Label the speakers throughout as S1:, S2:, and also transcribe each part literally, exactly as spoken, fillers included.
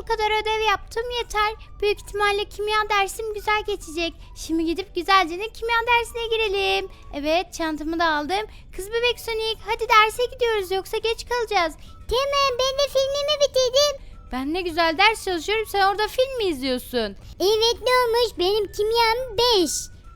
S1: kadar ödev yaptım yeter. Büyük ihtimalle kimya dersim güzel geçecek. Şimdi gidip güzelce de kimya dersine girelim. Evet, çantamı da aldım. Kız bebek Sonic, hadi derse gidiyoruz yoksa geç kalacağız. Tamam, ben de filmimi bitirdim. Ben ne güzel ders çalışıyorum, sen orada film mi izliyorsun? Evet, ne olmuş, benim kimyam beş.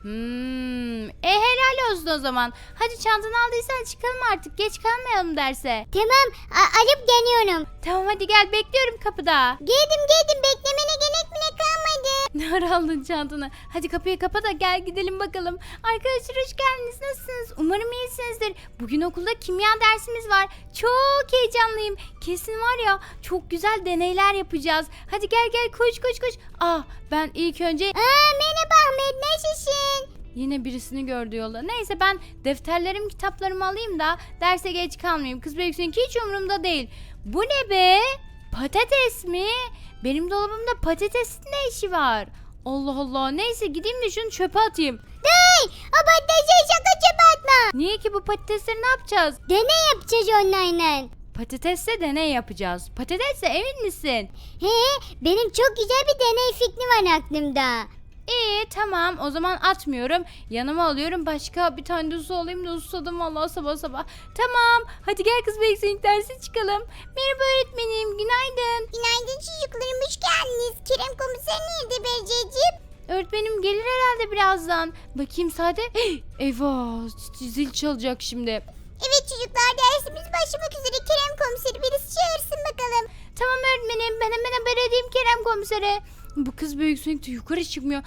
S1: Hmm, e helal olsun o zaman. Hadi çantanı aldıysan çıkalım artık, geç kalmayalım derse. Tamam, alıp geliyorum. Tamam, hadi gel, bekliyorum kapıda. Geldim geldim, beklemene gerek bile kalmadı. Ne ara aldın çantanı? Hadi kapıyı kapa da gel gidelim bakalım. Arkadaşlar hoş geldiniz, nasılsınız? Umarım iyisinizdir. Bugün okulda kimya dersimiz var. Çok heyecanlıyım. Kesin var ya, çok güzel deneyler yapacağız. Hadi gel gel, koş koş koş. Ah, ben ilk önce... Aa, merhaba Ahmet, nasılsın? Yine birisini gördü yolda. Neyse, ben defterlerim kitaplarımı alayım da derse geç kalmayayım. Kız büyüksün hiç umurumda değil. Bu ne be? Patates mi? Benim dolabımda patatesin ne işi var? Allah Allah, neyse gideyim de şunu çöpe atayım. Hey, o patatesi şaka çöpe atma. Niye ki, bu patatesleri ne yapacağız? Deney yapacağız onlarla. Patatesle deney yapacağız. Patatesle emin misin? He, benim çok güzel bir deney fikri var aklımda. İyi, tamam, o zaman atmıyorum. Yanıma alıyorum, başka bir tane de su alayım da susadım vallahi sabah sabah. Tamam, hadi gel kız bekleyin, derse çıkalım. Merhaba öğretmenim, günaydın. Günaydın çocuklarım, hoş geldiniz. Kerem komiser nerede Berceciğim? Öğretmenim gelir herhalde birazdan. Bakayım saate. Eyvah, zil çalacak şimdi. Evet çocuklar, dersimiz başlamak üzere. Kerem komiseri birisi çağırsın bakalım. Tamam öğretmenim, ben hemen haber edeyim Kerem komisere. Bu kız büyüksün de yukarı çıkmıyor.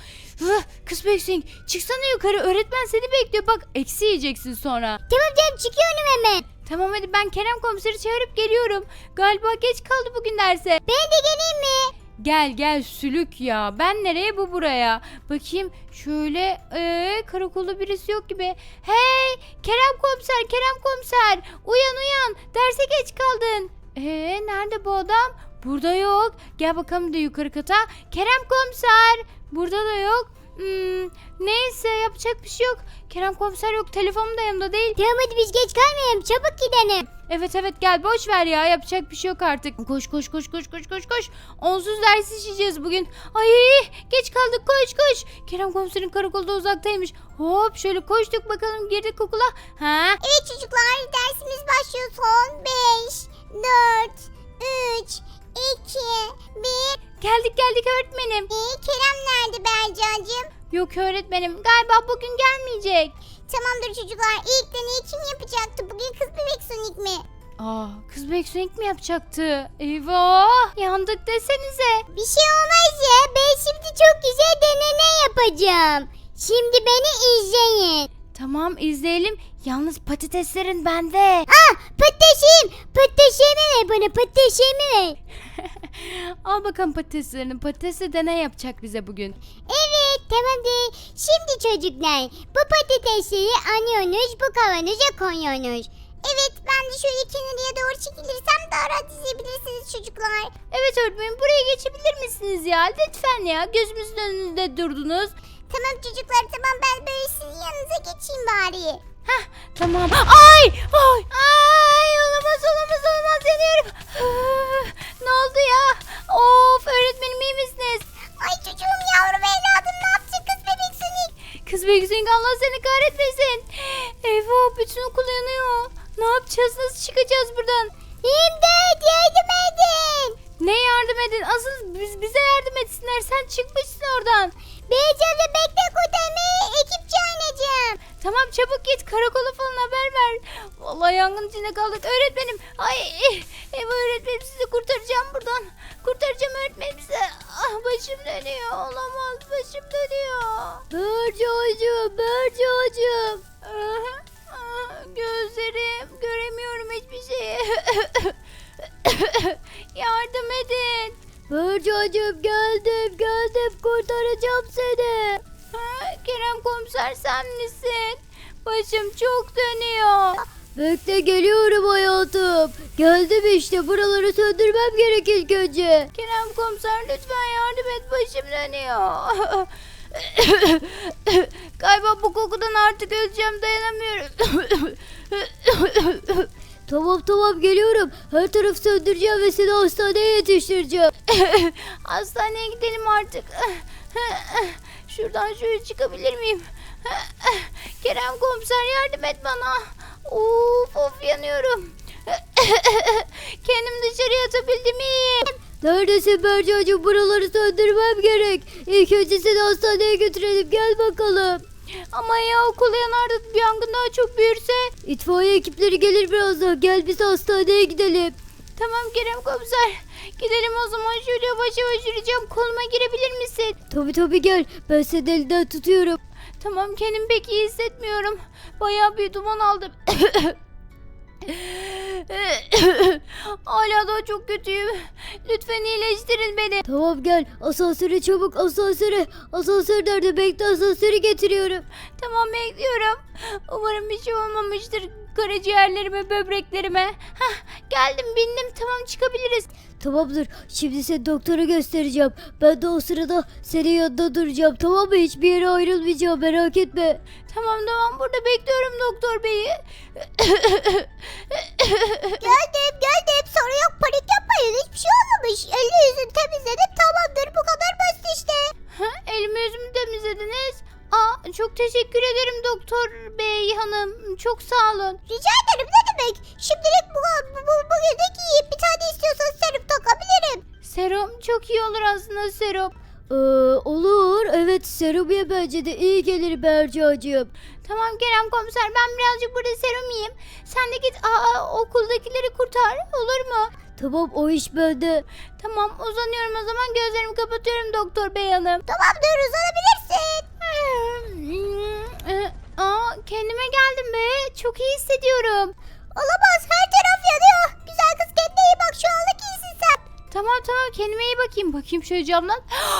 S1: Kız büyüksün, çıksana yukarı, öğretmen seni bekliyor, bak eksi yiyeceksin sonra. Tamam canım, çıkıyorum hemen. Tamam hadi, ben Kerem komiseri çağırıp geliyorum. Galiba geç kaldı bugün derse. Ben de geleyim mi? Gel gel sülük ya, ben nereye bu buraya. Bakayım şöyle, ee, karakolda birisi yok gibi. Hey Kerem komiser, Kerem komiser, uyan uyan, derse geç kaldın. Ee nerede bu adam? Burada yok. Gel bakalım da yukarı kata. Kerem komiser. Burada da yok. Hmm, neyse, yapacak bir şey yok. Kerem komiser yok. Telefonum da yanımda değil. Tamam hadi biz geç kalmayalım. Çabuk gidelim. Evet evet, gel boş ver ya. Yapacak bir şey yok artık. Koş koş koş koş koş koş koş. Onsuz ders işleyeceğiz bugün. Ay geç kaldık, koş koş. Kerem komiserin karakolda uzaktaymış. Hop şöyle koştuk bakalım, girdik okula. Ha? Evet çocuklar, dersimiz başlıyor. Son beş, dört, üç, iki, bir. Geldik geldik öğretmenim. Ee, Kerem nerede Bercacığım? Yok öğretmenim, galiba bugün gelmeyecek. Tamamdır çocuklar, ilk deneyi kim yapacaktı? Bugün kız bebek Sonic mi? Aa, kız bebek Sonic mi yapacaktı? Eyvah, yandık desenize. Bir şey olmaz ya, ben şimdi çok güzel deney yapacağım. Şimdi beni izleyin. Tamam izleyelim. Yalnız patateslerin bende. Ah, patatesim. Patatesimi ver bana, patatesimi ver. Al bakalım patateslerini. Patatesle deney yapacak bize bugün. Evet tamamdır. Şimdi çocuklar, bu patatesleri alıyorsunuz, bu kavanoza koyuyorsunuz. Evet, ben de şöyle kenarıya doğru çekilirsem daha rahat izleyebilirsiniz çocuklar. Evet öğretmenim, buraya geçebilir misiniz ya? Lütfen ya, gözümüzün önünde durdunuz. Tamam çocuklar, tamam, ben böyle sizin yanınıza geçeyim bari. Hah tamam. Ay ay ay, olamaz olamaz olamaz, yanıyorum. Ne oldu ya? Of öğretmenim, iyi misiniz? Ay çocuğum, yavrum evladım, ne yaptın kız bebek Sonic? Kız bebek Sonic, Allah seni kahretmesin. Eyvah, bütün okul yanıyor. Ne yapacağız, nasıl çıkacağız buradan? İmdat, yardım edin. Ne yardım edin? Asıl biz, bize yardım etsinler, sen çıkmışsın oradan. Beyeceğim de bekle, kurtarmaya ekip çağıracağım. Tamam çabuk git, karakola falan haber ver. Vallahi yangın içinde kaldık öğretmenim. Ay eyvah öğretmenim, sizi kurtaracağım buradan. Kurtaracağım öğretmenim size. Ah, başım dönüyor, olamaz, başım dönüyor. Börcüğüm, börcüğüm. Gözlerim, göremiyorum hiçbir şeyi. Yardım edin. Börcüğüm, geldim geldim, kurtaracağım seni. Ha, Kerem komiser sen misin? Başım çok dönüyor. Bekle, geliyorum hayatım. Geldim işte, buraları söndürmem gerek ilk önce. Kerem komiser lütfen yardım et, başım dönüyor. Galiba bu kokudan artık öleceğim, dayanamıyorum.
S2: Tamam tamam geliyorum. Her tarafı söndüreceğim ve seni hastaneye yetiştireceğim.
S1: Hastaneye gidelim artık. Şuradan şöyle çıkabilir miyim? Kerem komiser yardım et bana. Of of yanıyorum. Kendim dışarıya atabildim iyiyim.
S2: Neredesin Bercacığım? Buraları söndürmem gerek. İlk önce seni hastaneye götürelim. Gel bakalım.
S1: Ama ya okul yanarda bir yangın daha çok büyürse?
S2: İtfaiye ekipleri gelir birazdan. Gel biz hastaneye gidelim.
S1: Tamam Kerem komiser. Gidelim o zaman, şöyle yavaş yavaş yürüyeceğim. Koluma girebilir misin?
S2: Tabii tabii gel. Ben senin elinden tutuyorum.
S1: Tamam, kendimi pek iyi hissetmiyorum. Bayağı bir duman aldım. Hala da çok kötüyüm. Lütfen iyileştirin beni.
S2: Tamam gel. Asansöre çabuk asansöre. Asansör nerede? Bekle, asansörü getiriyorum.
S1: Tamam, bekliyorum. Umarım bir şey olmamıştır karaciğerlerime, böbreklerime. Hah, geldim, bindim, tamam çıkabiliriz.
S2: Tamamdır. Şimdi seni doktora göstereceğim. Ben de o sırada senin yanında duracağım. Tamam mı? Hiçbir yere ayrılmayacağım. Merak etme.
S1: Tamam tamam, burada bekliyorum doktor beyi.
S3: Geldim geldim, sorun yok, panik yapmayın, hiçbir şey olmamış. Elini yüzünü temizledim, tamamdır, bu kadar basit işte.
S1: Ha, elimi yüzümü temizlediniz. Aa, çok teşekkür ederim doktor bey hanım. Çok sağ olun.
S3: Rica ederim, ne demek. Şimdilik bu, bu, bu, bugünlük iyi, bir tane istiyorsanız serum takabilirim.
S1: Serum çok iyi olur aslında, serum.
S2: Ee, olur. Evet, serum ye, bence de iyi gelir Bercacığım.
S1: Tamam Kerem komiser, ben birazcık burada serum yiyeyim. Sen de git aa, okuldakileri kurtar, olur mu?
S2: Tamam, o iş bende.
S1: Tamam, uzanıyorum o zaman, gözlerimi kapatıyorum doktor bey hanım.
S3: Tamamdır, uzanabilirsin.
S1: Aa, kendime geldim be, çok iyi hissediyorum.
S3: Olamaz, her taraf yanıyor. Güzel kız, kendine iyi bak, şu anlık iyisin sen.
S1: Tamam tamam, kendime iyi bakayım. Bakayım şöyle camdan.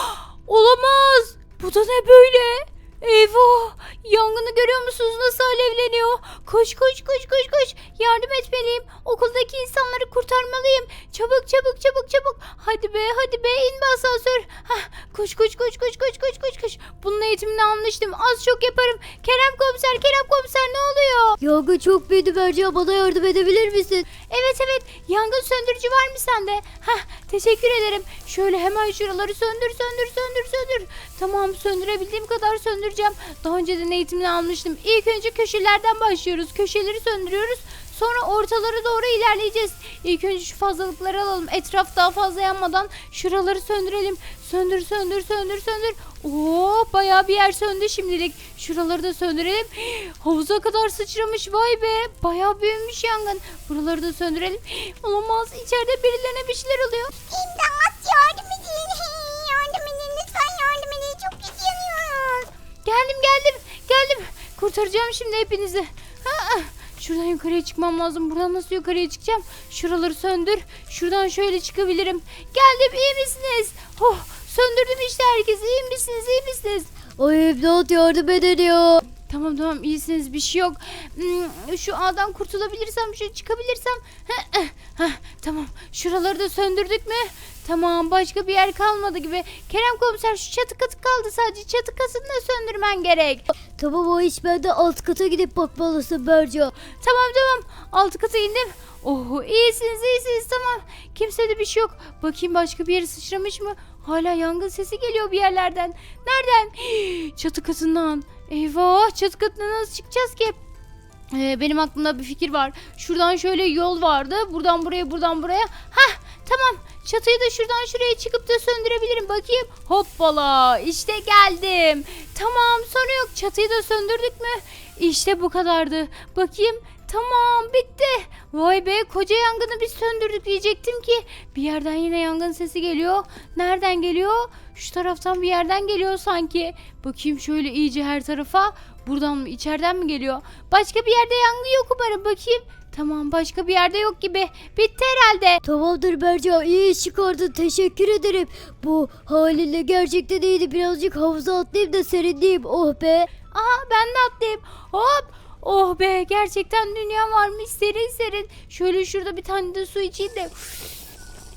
S1: Olamaz. Bu da ne böyle? Eyvah. Yangını görüyor musunuz? Nasıl alevleniyor? Koş koş koş koş koş. Yardım etmeliyim. Okuldaki insanları kurtarmalıyım. Çabuk çabuk çabuk çabuk. Hadi be hadi be, in be asansör. Hah, koş koş koş koş koş koş koş koş. Bunun eğitimini almıştım. Az çok yaparım. Kerem komiser, Kerem komiser, ne oluyor?
S2: Yangın çok büyüdü Berca, bana yardım edebilir misin?
S1: Evet evet, yangın söndürücü var mı sende? Hah, teşekkür ederim. Şöyle hemen şuraları söndür söndür söndür söndür. Tamam, söndürebildiğim kadar söndüreceğim. Daha önceden eğitimini almıştım. İlk önce köşelerden başlıyoruz. Köşeleri söndürüyoruz. Sonra ortalara doğru ilerleyeceğiz. İlk önce şu fazlalıkları alalım. Etraf daha fazla yanmadan şuraları söndürelim. Söndür söndür söndür söndür. Oo, bayağı bir yer söndü şimdilik. Şuraları da söndürelim. Havuza kadar sıçramış, vay be. Bayağı büyümüş yangın. Buraları da söndürelim. Olamaz, içeride birilerine bir şeyler oluyor.
S3: İmdat, yardım edin. Yardım edin, lütfen yardım edin. Çok kötü yanıyoruz.
S1: Geldim geldim geldim. Kurtaracağım şimdi hepinizi. Ha, şuradan yukarıya çıkmam lazım. Buradan nasıl yukarıya çıkacağım? Şuraları söndür. Şuradan şöyle çıkabilirim. Geldim, iyi misiniz? Oh, söndürdüm işte herkesi. İyi misiniz? İyi misiniz?
S2: Ay imdat, yardım edin ya.
S1: Tamam tamam, iyisiniz, bir şey yok. Hmm, şu ağdan kurtulabilirsem, şu çıkabilirsem. Heh, heh, heh, tamam, şuraları da söndürdük mü? Tamam, başka bir yer kalmadı gibi. Kerem komiser, şu çatı katı kaldı sadece. Çatı katını da söndürmen gerek.
S2: Tamam, o iş bende, alt kata gidip bakmalısın Berca.
S1: Tamam tamam, alt kata indim. Oh, iyisiniz iyisiniz, tamam. Kimsede bir şey yok. Bakayım başka bir yere sıçramış mı? Hala yangın sesi geliyor bir yerlerden. Nereden? Hii, çatı katından. Eyvah, çatı katına nasıl çıkacağız ki? Ee, benim aklımda bir fikir var. Şuradan şöyle yol vardı. Buradan buraya, buradan buraya. Hah, tamam. Çatıyı da şuradan şuraya çıkıp da söndürebilirim. Bakayım. Hoppala. İşte geldim. Tamam, sorun yok. Çatıyı da söndürdük mü? İşte bu kadardı. Bakayım. Tamam, bitti. Vay be, koca yangını biz söndürdük diyecektim ki. Bir yerden yine yangın sesi geliyor. Nereden geliyor? Şu taraftan bir yerden geliyor sanki. Bakayım şöyle iyice her tarafa. Buradan mı, içeriden mi geliyor? Başka bir yerde yangın yok umarım, bakayım. Tamam, başka bir yerde yok gibi. Bitti herhalde.
S2: Tamamdır Berca, iyi iş çıkardın, teşekkür ederim. Bu halinle gerçekten iyiydi. Birazcık havuza atlayayım da serinleyeyim, oh be.
S1: Aha, ben de atlayayım. Hop. Oh be, gerçekten dünya varmış, serin serin. Şöyle şurada bir tane de su içeyim de.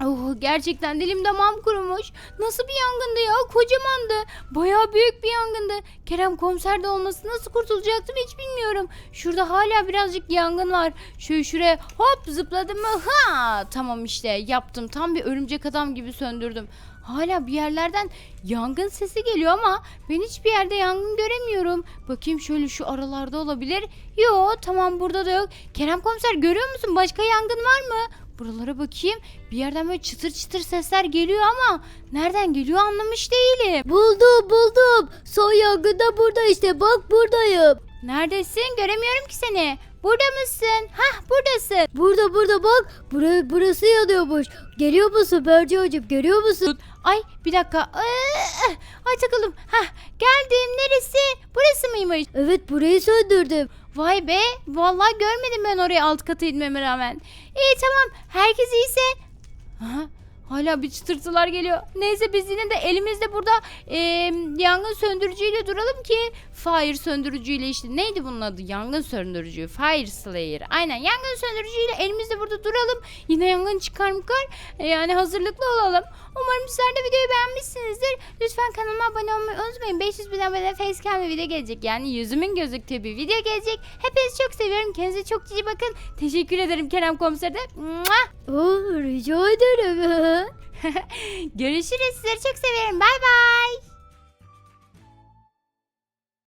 S1: Oh, gerçekten dilim damağım kurumuş. Nasıl bir yangındı ya? Kocamandı. Bayağı büyük bir yangındı. Kerem komiser de olması nasıl kurtulacaktım hiç bilmiyorum. Şurada hala birazcık yangın var. Şöyle şuraya hop zıpladım mı? Ha! Tamam işte yaptım. Tam bir örümcek adam gibi söndürdüm. Hala bir yerlerden yangın sesi geliyor ama ben hiçbir yerde yangın göremiyorum. Bakayım şöyle şu aralarda olabilir. Yo, tamam, burada da yok. Kerem komiser, görüyor musun? Başka yangın var mı? Buralara bakayım. Bir yerden böyle çıtır çıtır sesler geliyor ama nereden geliyor anlamış değilim.
S2: Buldum buldum. Son yangın da burada işte, bak buradayım.
S1: Neredesin? Göremiyorum ki seni. Burada mısın? Hah, buradasın.
S2: Burada burada bak. Bura, burası yanıyormuş. Geliyor musun Bercacığım, görüyor musun?
S1: Ay bir dakika. Aa, ay takıldım. Hah, geldim. Neresi? Burası mıymış?
S2: Evet, burayı söndürdüm.
S1: Vay be. Vallahi görmedim ben oraya alt kata inmeme rağmen. İyi, tamam. Herkes iyiyse. Aha, hala bir çıtırtılar geliyor. Neyse biz yine de elimizde burada e, yangın söndürücüyle duralım ki fire söndürücüyle işte neydi bunun adı? Yangın söndürücü. Fire Slayer. Aynen, yangın söndürücüyle elimizde burada duralım. Yine yangın çıkar mı kar? E, yani hazırlıklı olalım. Umarım sizler de videoyu beğenmişsinizdir. Lütfen kanalıma abone olmayı unutmayın. beş yüz bin abone facecam bir video gelecek. Yani yüzümün gözüktüğü bir video gelecek. Hepinizi çok seviyorum. Kendinize çok iyi bakın. Teşekkür ederim Kerem Komiser de. Mua!
S2: Oh, rica ederim.
S1: Görüşürüz. Sizleri çok seviyorum. Bay bay.